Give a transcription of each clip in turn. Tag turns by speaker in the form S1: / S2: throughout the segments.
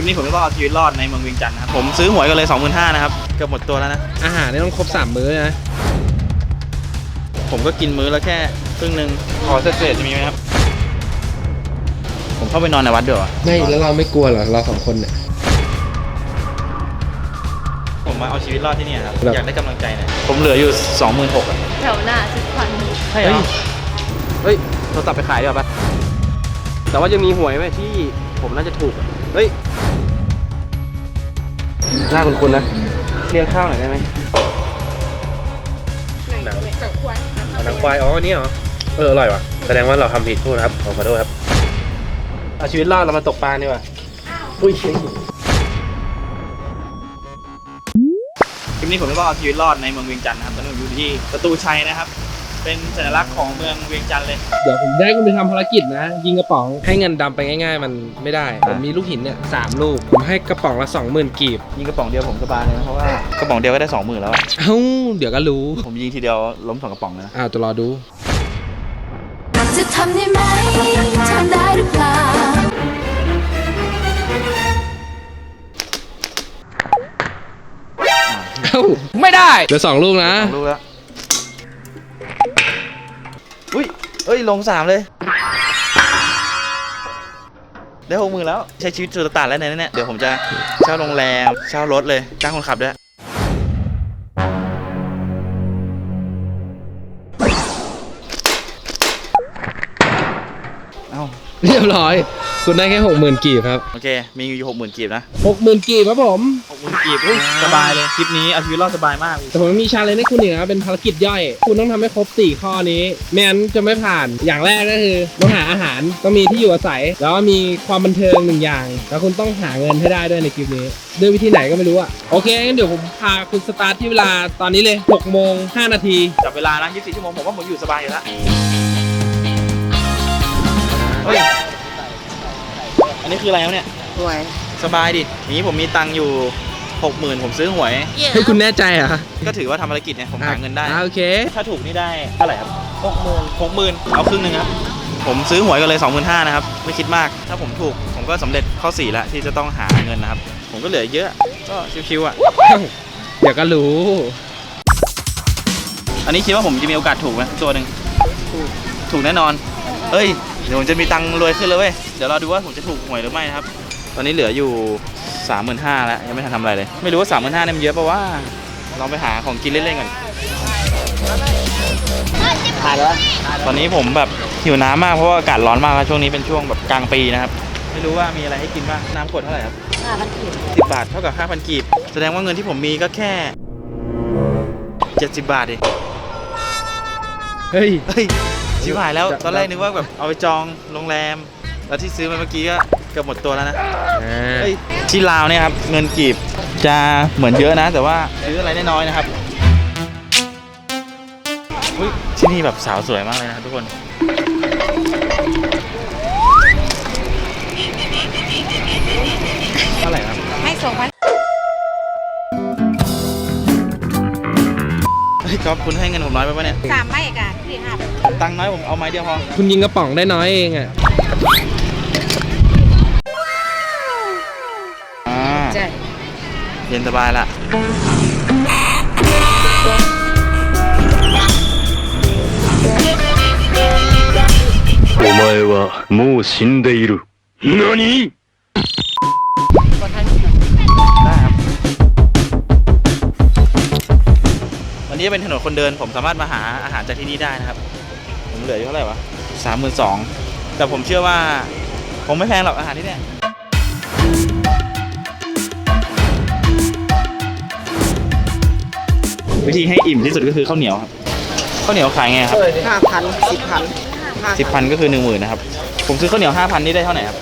S1: ลิปนี้ผมก็เอาชีวิตรอดในเมืองเวียงจันทร์นะครับผมซื้อหวยกันเลย 25,000 นะครับเกือบหมดตัวแล้วนะ
S2: อาหารนี่ต้องครบ3มื้อนะ
S1: ผมก็กินมื้อละแค่ครึ่งนึงขอเศษจะมีไหมครับผมเข้าไปนอนในวัดด้วย
S2: ไม่แล้วเราไม่กลัวเหรอเรา2 คนเนี่ย
S1: ผมมาเอาชีวิตรอดที่นี่ครับอยากได้กำลังใจเนี่ยผมเหลืออยู่ 26,000 อ่ะ
S3: แถวหน้า10,000
S1: ใช่เหรอเฮ้ยโทรศัพท์ไปขายดีกว่าปะแต่ว่ายังมีหวยไหมที่ผมน่าจะถูกเฮ้ยหน้าคุณนะเลี้ยงข้าวหน่อยได้ไหมหนังควายอ๋ออันนี้เหรออร่อยว่ะแสดงว่าเราทำผิดพูดครับขอโทษครับเอาชีวิตรอดเรามาตกปลาดีกว่าอุ้ยคลิปนี้ผมก็เอาชีวิตรอดในเมืองเวียงจันทร์นะครับตอนนี้ผมอยู่ที่ประตูชัยนะครับเป็นสัญลักษณ์ของเมืองเวียงจันทร์เลย
S2: เดี๋ยวผมได้คุณไปทำภารกิจนะยิงกระป๋องให้เงินดำไปง่ายๆมันไม่ได้ผมมีลูกหินเนี่ย3 ลูกผมให้กระป๋องละ 20,000 กีบ
S1: ยิงกระป๋องเดียวผมสบายเลยนะเพราะว่ากระป๋องเดียวก็ได้ 20,000 แล้ว
S2: เอ้าเดี๋ยวก็รู้
S1: ผมยิงทีเดียวล้ม2 กระป๋องเลยนะ
S2: จะรอดู
S3: จะทำได้ไหมทำได้หรือเปล่า
S2: ไม่ได้เหลือ2 ลูกนะ
S1: 2 ลูกแล้วอุ้ยเอ้ยลง3เลยได้ 60,000 แล้วใช้ชีวิตสุดตานแล้วเนี่ยเดี๋ยวผมจะเช่าโรงแรมเช่ารถเลยจ้างคนขับด้วย
S2: เรียบร้อยคุณได้แค่ 60,000 กีบครับ
S1: โอเคมีอยู่ 60,000 กีบนะ
S2: 60,000 กีบครับผม
S1: 60,000 กีบสบายเลยคลิปนี้เอาชีวิตรอดสบายมาก
S2: แต่ผมมีชาเลนจ์ให้คุณอีกนะเป็นภารกิจย่อยคุณต้องทำให้ครบ4 ข้อนี้ไม่งั้นจะไม่ผ่านอย่างแรกก็คือต้องหาอาหารต้องมีที่อยู่อาศัยแล้วก็มีความบันเทิง1 อย่างแล้วคุณต้องหาเงินให้ได้ด้วยในคลิปนี้ด้วยวิธีไหนก็ไม่รู้อะโอเคงั้นเดี๋ยวผมพาคุณสตาร์ทที่เวลาตอนนี้เลย6:05 นาที
S1: จับเวลานะ24 ชั่วโมงผมว่าผมอยู่สบายอยู่แล้วเฮ้ยอันนี้คืออะไรครับเนี่ย
S3: หวย
S1: สบายดินี้ผมมีตังค์อยู่ 60,000 ผมซื้อหวย
S2: ให้คุณแน่ใจเหรอ
S1: ก็ถือว่าทำภารกิจเนี่ยผมหาเงินได้
S2: โอเค
S1: ถ้าถูกนี่ได้เท่าไหร่ครับ60,000เอาครึ่งนึงครับผมซื้อหวยกันเลย 25,000 นะครับไม่คิดมากถ้าผมถูกผมก็สำเร็จข้อ4แล้วที่จะต้องหาเงินนะครับผมก็เหลือเยอะก็ชิวๆอ่ะ
S2: เดี๋ยวก็รู้
S1: อันนี้คิดว่าผมจะมีโอกาสถูกไหมตัวหนึ่งถูกแน่นอนเอ้ยเดี๋ยวผมจะมีตังค์รวยขึ้นเลยเว้ยเดี๋ยวเราดูว่าผมจะถูกหวยหรือไม่นะครับตอนนี้เหลืออยู่ 35,000 แล้วยังไม่ทันทำอะไรเลยไม่รู้ว่า 35,000 เนี่ยมันเยอะป่ะว่าลองไปหาของกินเล่นๆก่อนตอนนี้ผมแบบหิวน้ำมากเพราะว่าอากาศร้อนมากแล้วช่วงนี้เป็นช่วงแบบกลางปีนะครับไม่รู้ว่ามีอะไรให้กินบ้างน้ำขวดเท่าไหร่ครับ
S3: 5,000 กีบ
S1: 10 บาทเท่ากับ 5,000 กีบแสดงว่าเงินที่ผมมีก็แค่70 บาทเอง
S2: เฮ้ย
S1: ชิบหายแล้วตอนแรกนึกว่าแบบเอาไปจองโรงแรมแล้วที่ซื้อมาเมื่อกี้ก็เกือบหมดตัวแล้วนะที่ลาวเนี่ยครับเงินกีบจะเหมือนเยอะนะแต่ว่าซื้ออะไรได้น้อยนะครับที่นี่แบบสาวสวยมากเลยนะครับทุกคนเท่าไหร่ครับ
S3: ให้2,000
S1: ก๊อฟคุณให้เงินผมน้อยไปปะเนี่ย
S3: 3 ไม้กันพี่
S1: ตังค์น้อยผมเอาไม้เดียวพอ
S2: คุณยิงกระป๋องได้น้อยเองอ่ะ
S3: ใช่
S1: เย็นสบายละ
S4: お前はもう死んでいる。何？
S1: ได้ครับวันนี้เป็นถนนคนเดินผมสามารถมาหาอาหารจากที่นี่ได้นะครับผมเหลืออยู่เท่าไหร่วะ 32,000 แต่ผมเชื่อว่าคงไม่แพงหรอกอาหารที่นี่วิธีให้อิ่มที่สุดก็คือข้าวเหนียวครับข้าวเหนียวขายไงครับ
S3: 5,000
S1: 10,000 ก็คือ 10,000 นะครับผมซื้อข้าวเหนียว 5,000 นี่ได้เท่าไหร่ครับ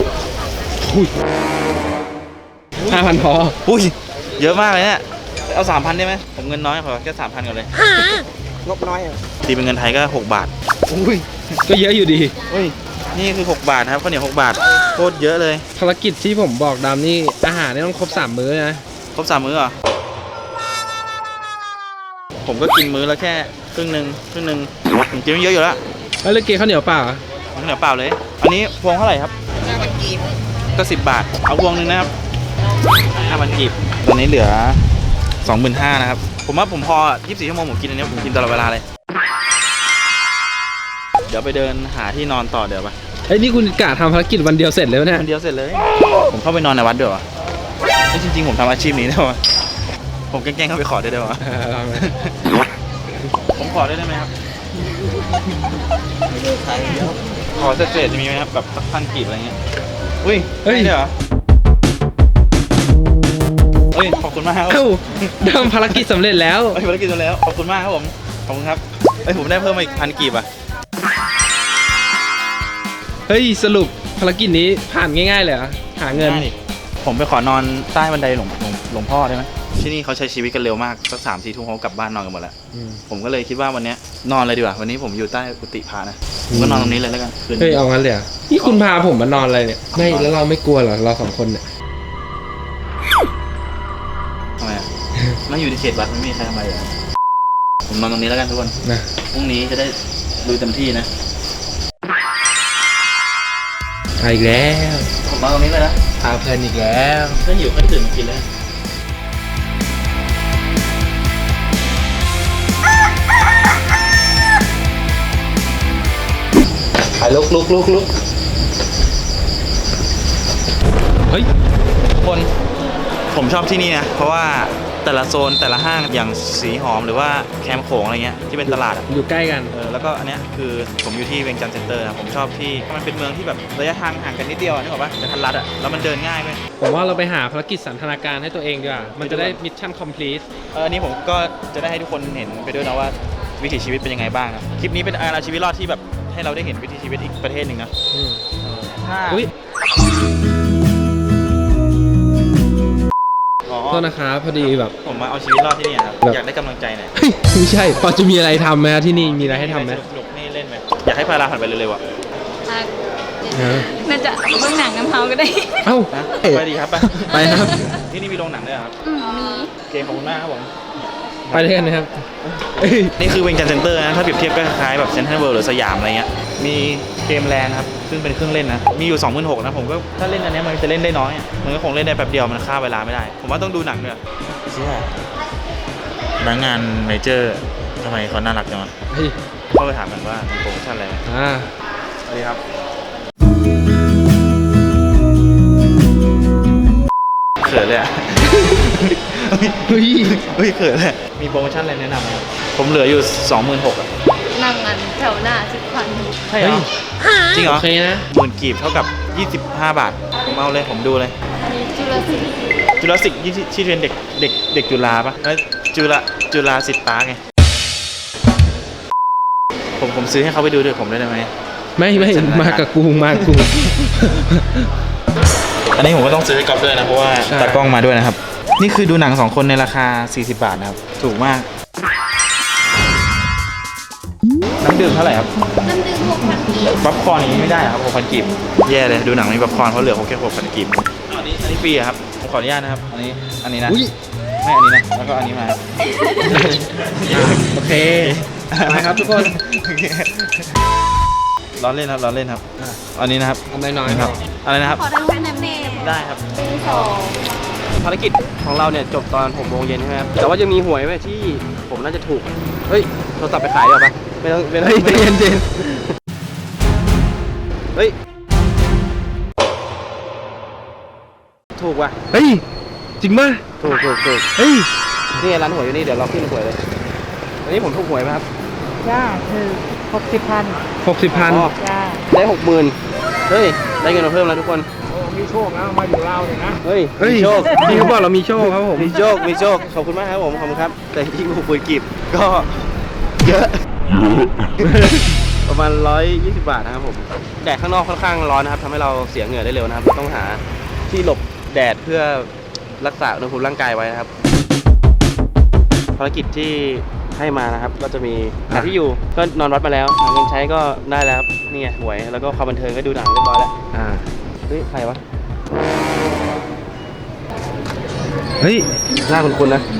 S2: 5,000 พอ
S1: เยอะมากเลยเนี่ยเอา 3,000 ได้ไหมผมเงินน้อยขอแค่ 3,000 ก่อนเลย
S3: งบน้อย
S1: ตีเป็นเงินไทยก็6 บาท
S2: ก็เยอะอยู่ดี
S1: นี่คือ6 บาทครับข้าวเหนียว6 บาทโคตรเยอะเลย
S2: ภารกิจที่ผมบอกดำนี่อาหารนี่ต้องครบ3 มื้อนะ
S1: ครบ3 มื้อเหรอผมก็กินมื้อละแค่ครึ่งนึงผมกินไม่เยอะอยู่แล้ว
S2: แล้วเลยเกข้าวเหนียวเปล่า
S1: ข้าวเหนียวเปล่าเลยอันนี้พวงเท่าไหร่ครับ
S3: 5,000 กีบ
S1: ก็10 บาทเอาพวงนึงนะครับ 5,000 กีบตอนนี้เหลือ 25,000 นะครับผมว่าผมพอ24 ชั่วโมงผมกินอันนี้ผมกินตลอดเวลาเลยเดี๋ยวไปเดินหาที่นอนต่อเดี๋ยวไป
S2: เฮ้ยนี่คุณกะทำภารกิจวันเดียวเสร็จเลยเนี่ย
S1: วันเดียวเสร็จเลยผมเข้าไปนอนในวัดด้วยวะจริงๆผมทำอาชีพนี้ได้วะผมแกล้งๆเข้าไปขอได้ด้วยวะ
S2: ลองเลย
S1: ผมขอได้ไหมครับขอเศษๆจะมีไหมครับแบบสัก1,000 กีบอะไรเงี้ยอุ้ยได้ด้วยเหรอเฮ้ยขอบคุณมากครับ
S2: เอ้าทำภารกิจสำเร็จแล้ว
S1: เฮ้ยภารกิจจบแล้วขอบคุณมากครับผมขอบคุณครับเฮ้ยผมได้เพิ่มมาอีก1,000 กีบอ่ะ
S2: เฮ้ยสรุปภารกิจนี้ผ่านง่ายๆเลยเหรอหาเงิน
S1: ได้ดิผมไปขอนอนใต้บันไดหลวงพ่อได้ไหมที่นี่เขาใช้ชีวิตกันเร็วมากสัก3-4 ทุ่มเขากลับบ้านนอนกันหมดแล้วผมก็เลยคิดว่าวันนี้นอนเลยดีกว่าวันนี้ผมอยู่ใต้กุฏิพระนะผมก็นอนตรงนี้เลยแล้วกันคืน
S2: เฮ้ย
S1: นี้
S2: เอางั้นเลยเหรอนี่คุณพาผมมานอนอะไรเนี่ยไม่แล้วเราไม่กลัวเหรอเรา2 คนเนี่ย
S1: ทำไมอ่ะ ไม่อยู่ในเขตวัดไม่มีใครทำอะไรอ่ะผมนอนตรงนี้แล้วกันทุกคน
S2: นะ
S1: พรุ่งนี้จะได้ดูเต็มที่นะ
S2: เอาอีกแล้ว
S1: ผมนอนตรงนี้เลยนะ
S2: พาเพลินอีกแล้ว
S1: ถ้าหิวก็ตื่นมากินเลยไปลุก
S2: เฮ้ย
S1: คนผมชอบที่นี่นะเพราะว่าแต่ละโซนแต่ละห้างอย่างสีหอมหรือว่าแคมป์โขงอะไรเงี้ยที่เป็นตลาดอะ
S2: อยู่ใกล้กัน
S1: แล้วก็อันเนี้ยคือผมอยู่ที่เวียงจันทร์เซ็นเตอร์นะผมชอบที่มันเป็นเมืองที่แบบระยะทางห่างกันนิดเดียวอะนึกออกปะแต่ทันรัดอะแล้วมันเดินง่ายไป
S2: ผมว่าเราไปหาภารกิจสันทนาการให้ตัวเองดีกว่ามันจะได้มิชชั่นคอมพลีท
S1: อันนี้ผมก็จะได้ให้ทุกคนเห็นไปด้วยนะว่าวิถีชีวิตเป็นยังไงบ้างนะคลิปนี้เป็นการเอาชีวิตรอดที่แบบให้เราได้เห็นวิถีชีวิตอีกประเทศหนึ่งนะถ้า
S2: อุ้ย
S1: อ๋อ
S2: โทษนะครับพอดีแบบ
S1: ผมมาเอาชีวิตรอดที่นี่ครับ
S2: แบบ
S1: อยากได้กำลังใจหน่อย
S2: เฮ้ยไม่ใช่พอจะมีอะไรทำไหมครับที่นี่มีอะไรให้ทำไหม
S1: สนุกๆนี่เล่นไหมอยากให้พาราผ่านไปเร็วๆอ่ะ
S3: น่าจะเบื้องหนังน้ำเฮาก็ได้
S2: เอ้า
S1: นะไปดีครับไป
S2: ไปครับ
S1: ที่นี่มีโรงหนังด้วยเหรอครับ
S3: มี
S1: โอเคขอบคุณมากครับผม
S2: ไปด้วยกันนะครับเอ้ย
S1: นี่คือเวียงจันทร์เซ็นเตอร์นะถ้าเปรียบเทียบก็คล้ายๆแบบเซ็นทรัลเวิลด์หรือสยามอะไรเงี้ยมีเกมแลนด์ครับซึ่งเป็นเครื่องเล่นนะมีอยู่ 26,000 นะผมก็ถ้าเล่นอันเนี้ยมันจะเล่นได้น้อยอะมันก็คงเล่นได้แป๊บเดียวมันฆ่าเวลาไม่ได้ ผมว่าต้องดูหนังด้วยเชี่ยพนักงานเมเจอร์ทำไมเขาน่ารักจังวะ
S2: เฮ้ย
S1: เข้าไปถามกันว่ามีโปรโมชั่นอะไรไหม สวัสดีครับเขินเลยอ่ะ
S2: เฮ้ย
S1: เฮ้ยเขินเลยมีโปรโมชั่นอะไรแนะนำไหมครับผมเหลืออยู่ 26,000 อ่ะ
S3: นั่งกันแถวหน้า10,000
S1: ใช่เหรอจริงเหร
S2: โอ
S1: อ
S2: เคนะ
S1: 10,000 กีบเท่ากับ 25 บาท ผมเอาเลยผมดูเลย
S3: อันนี้จุลศิลป์
S1: จุฬาศิษย์ที่เรียนเด็กจุฬาปะจุฬาศิษย์ปาร์คไงผมซื้อให้เขาไปดูด้วยผมได้ไหม
S2: ไม่มากับกูมากับกู
S1: อันนี้ผมก็ต้องซื้อให้ก๊อฟด้วยนะเพราะว่า
S2: ใช่
S1: ตากล้องมาด้วยนะครับ นี่คือดูหนัง2 คนในราคา 40 บาทนะครับ ถูกมาก น้ำดื่มเท่าไหร่ครับ
S3: น้ำดื่ม6,000 กีบ
S1: ป๊อปคอร์นอย่างนี้ไม่ได้ครับ6,000 กีบแย่เลยดูหนังไม่มีป๊อปคอร์นเพราะเหลือแค่6,000 กีบอันนี้ฟรีอะครับผมขออนุญาตนะครับอันนี้นะ
S2: อุ้ย
S1: ไม่อันนี้นะแล้วก็อันนี้มา
S2: โอเคไปครับทุกคน
S1: ล้อเล่นครับล้อเล่นครับอันนี้นะครับ
S2: อันน้อยๆครับ
S1: อะไรนะครับ
S3: ขอได้รูปแนมเนม
S1: ได้ครับ
S2: ภารกิจของเราเนี่ยจบตอน6 โมงเย็นใช่ไหมครับแต่ว่ายังมีหวยไว้ที่ผมน่าจะถูกเฮ้ยโทรศัพท์ไปขายดีกว่าปะไม่ต้องไม่เย็นเย็นเฮ้ยถูกว่ะเฮ้ยจริงป่ะถูกเฮ้ยนี่ร้านหวยอยู่นี่เดี๋ยวเราขึ้นหวยเลยวันนี้ผมถูกหวยไหมครับ
S5: จ้าคือ60,000
S2: 60,000
S5: จ้า
S2: ได้ 60,000เฮ้ยได้เงินมาเพิ่มแล้วทุกคน
S5: มีโชคนะมาอยู่เราเนี่ยนะ
S2: เฮ้ยมีโชคพี่เขาบอกเรามีโชคครับผมมีโชคขอบคุณมากครับผมขอบคุณครับแต่ที่กูคุยกีบก็เยอะ ประมาณ120 บาทนะครับผมแดดข้างนอกค่อนข้างร้อนนะครับทำให้เราเสียเหงื่อได้เร็วนะครับเราต้องหาที่หลบแดดเพื่อรักษาอุณหภูมิร่างกายไว้นะครับภารกิจที่ให้มานะครับก็จะมีหาที่อยู่ก็นอนวัดมาแล้วหาเงินใช้ก็ได้แล้วครับนี่ไงหวยแล้วก็ความบันเทิงก็ดูหนังเรียบร้อยแล้วเฮ้ยใครวะเฮ้ยหน้าคุ้นๆนะ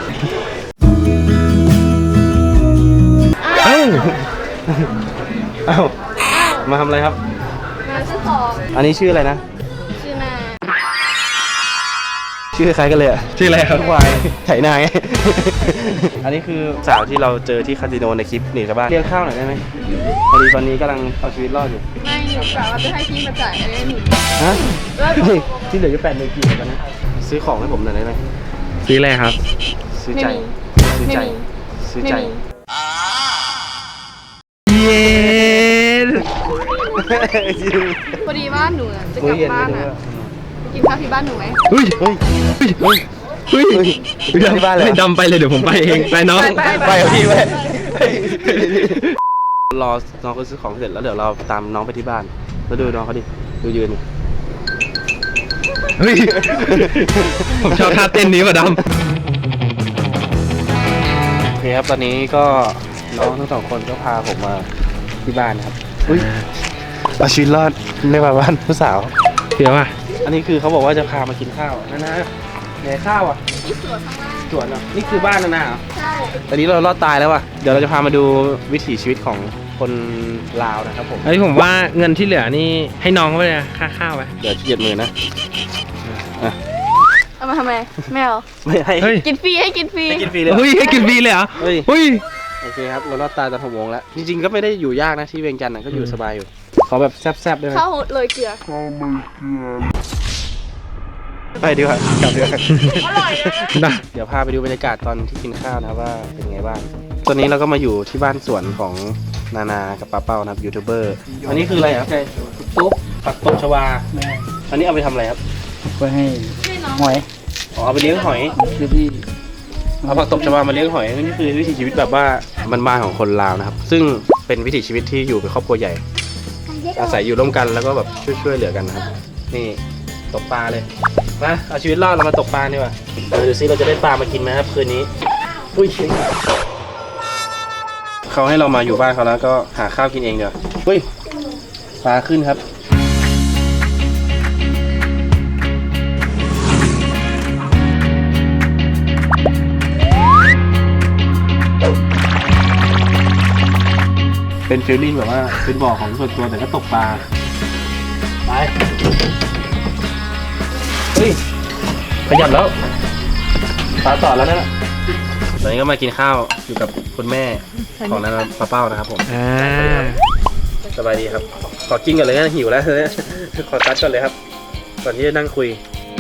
S2: เอ้ามาทำอะไรครับ
S3: มาซื้อของ
S2: อันนี้ชื่ออะไรนะ
S3: ชื่อนา
S1: ชื่อคล้ายกันเลยอ่ะ
S2: ชื่ออะไรครับ
S1: ควายไถนาไง อันนี้คือสาวที่เราเจอที่คาสิโนในคลิปหนีชาวบ้านเลี้ยงข้าวหน่อยได้ไหมพอดีตอนนี้กำลังเอาชีวิตรอดอยู่
S6: ไม่หนูกะว่าจะให้พี่มาจ่ายให้หนู
S1: ฮะ
S6: แล้ว
S1: เฮ้ยที่เหลืออยู่8,000กี่กันนะซื้อของให้ผมหน่อยได้ไหม
S2: ซื้ออะไรครับ
S1: ซื้อใจซื้อใจซื้อใจ
S2: เย็น
S6: พอดีว่าหนูน่ะจะกลับบ้านอ่ะไปกินข้าวที่บ้านหนูไหม
S2: เฮ้ย
S1: เฮ้ยเฮ้ย
S2: เฮ้ย
S1: เฮ้ยที่บ้านเลย
S2: ให้ดำไปเลยเดี๋ยวผมไปเอง ไปน้อง
S1: ไปกับพี่ไปรอน้องเขาซื้อของเสร็จแล้วเดี๋ยวเราตามน้องไปที่บ้านแล้วดูน้องเขาดิดูยืน
S2: เฮ้ย ผมชอบท่าเต้นนี้ว่ะด
S1: โอเคครับตอนนี้ก็น้องทั้งสองคนก็พาผมมาที่บ้านครับอุ้ยเอาชีวิตรอดในบ้านผู้สาว
S2: ำเดี๋ยวอ่ะ
S1: อันนี้คือเขาบอกว่าจะพามากินข้าวนะไหนข้าวอ่ะ
S6: ที่สวนข้างล่าง
S1: สวนเหรอนี่คือบ้านนะเหรอ
S6: ใช่
S1: ตอนนี้เรารอดตายแล้วว่ะเดี๋ยวเราจะพามาดูวิถีชีวิตของคนลาวนะครับผม
S2: เฮ้ยผมว่าเงินที่เหลือนี่ให้น้องไปเลยนะค่าข้าวไป
S1: เดี๋ยวเกียดมือนะอ่ะ
S6: เอามาทำไมไม่เอา
S1: ไม่ให้
S2: เฮ้ย
S6: กินฟรีให้กินฟรี
S1: ให้กินฟรีเลย
S2: เฮ้ยให้กินฟรีเลยเหรอ
S1: เฮ้ย
S2: เฮ้ย
S1: โอเคครับเรารอดตายตอน6 โมงแล้วจริงๆก็ไม่ได้อยู่ยากนะที่เวียงจันทร์ก็อยู่สบายอยู่ขอแบบแซ่บๆได้ไหม
S6: ข้าวเลยเกลือ
S1: ไปดีกว่ากลับดีกว่า
S6: อร่อยนะ
S2: ได้
S1: เดี๋ยวพาไปดูบรรยากาศตอนที่กินข้าวนะครับว่าเป็นไงบ้างตอนนี้เราก็มาอยู่ที่บ้านสวนของนานากับป้าเป้านะครับยูทูบเบอร์อันนี้คืออะไรครับตุ๊บผักตบชวาอันนี้เอาไปทำอะไรครับ
S5: ไปให้หอย
S1: อ๋อเอาไปเลี้ยงหอย
S5: คือพี่
S1: เอาผักตบชวามาเลี้ยงหอยนี่คือวิถีชีวิตแบบว่าบ้านๆของคนลาวนะครับซึ่งเป็นวิถีชีวิตที่อยู่เป็นครอบครัวใหญ่ อาศัยอยู่ร่วมกันแล้วก็แบบช่วยเหลือกันนะครับนี่ตกปลาเลยมาเอาชีวิตรอดเรามาตกปลาดีกว่าดูซิเราจะได้ปลามากินไหมครับคืนนี้อุ้ยเขาให้เรามาอยู่บ้านเขาแล้วก็หาข้าวกินเองเดี๋ยวอุ้ยปลาขึ้นครับเป็นฟีลลิ่งแบบว่าเป็นบ่อของส่วนตัวแต่ก็ตกปลาไปเฮ้ยขยับแล้วปลาต่อแล้วนะตอนนี้ก็มากินข้าวอยู่กับคุณแม่ของนันป้าเป้านะครับผม
S2: อ่า
S1: สบายดีครับขอกินก่อนเลยนะหิวแล้วขอตัดก่อนเลยครับก่อนที่จะนั่งคุย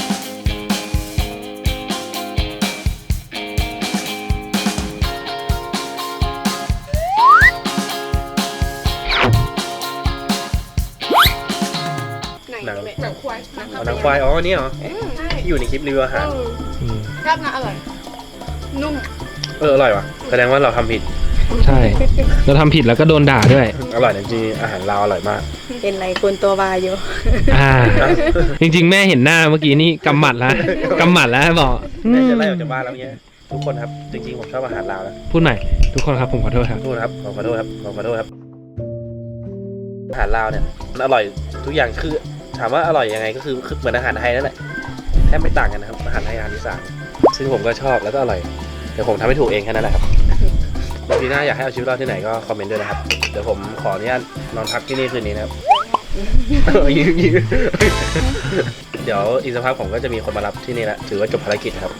S1: หนัง
S6: หนังควาย
S1: เอาหนังควายอ๋ออันนี่เหรอที่อยู่ในคลิปรีวิวอาหาร
S6: ราดหน้าอร่อย นุ่ม
S1: อร่อยว่ะแสดงว่าเราทำผิด
S2: ใช่ เราทำผิดแล้วก็โดนด่าด้วย
S1: อร่อยจริงๆอาหารลาวอร่อยมาก
S6: เป็นไรคนตัววายอยู่
S2: อ่า จริงๆ แม่เห็นหน้าเมื่อกี้นี่กำหมัดแล้วกำหมัดแล้วบอก
S1: แม่จะไล่ออกจากบ้านแล้วเนี้ยทุกคนครับจริงๆผมชอบอาหารลาวนะ
S2: พูดใหม่ทุกคนครับผมขอโทษครับ
S1: ขอโทษครับขอโทษครับขอโทษครับอาหารลาวเนี่ยมันอร่อยทุกอย่างคือถามว่าอร่อยยังไงก็คือเหมือนอาหารไทยนั่นแหละแทบไม่ต่างกันนะครับอาหารไทยอาหารอีสานซึ่งผมก็ชอบแล้วก็อร่อยเดี๋ยวผมทำให้ถูกเองแค่นั้นแหละครับปีหน้าอยากให้เอาชีวิตรอดที่ไหนก็คอมเมนต์ด้วยนะครับเดี๋ยวผมขออนุญาตนอนพักที่นี่คืนนี้นะครับ ยิ้มเดี๋ยวอีกสักพักผมก็จะมีคนมารับที่นี่แล้วถือว่าจบภารกิจครับ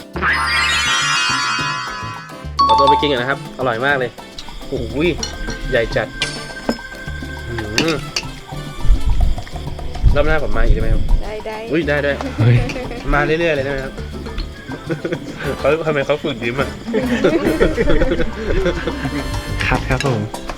S1: ขอตัวไปกินกันนะครับ อร่อยมากเลยโอ้ยใหญ่จัดรอบหน้าผมมาอีกได้ไหมครับ
S6: ได้
S1: อุ้ยได้ด้วย
S2: เฮ้ย
S1: มาเรื่อยๆเลยได้ไหมครับ เขาทำไมเขาฝึกยิ้มอ่ะ
S2: ครับผม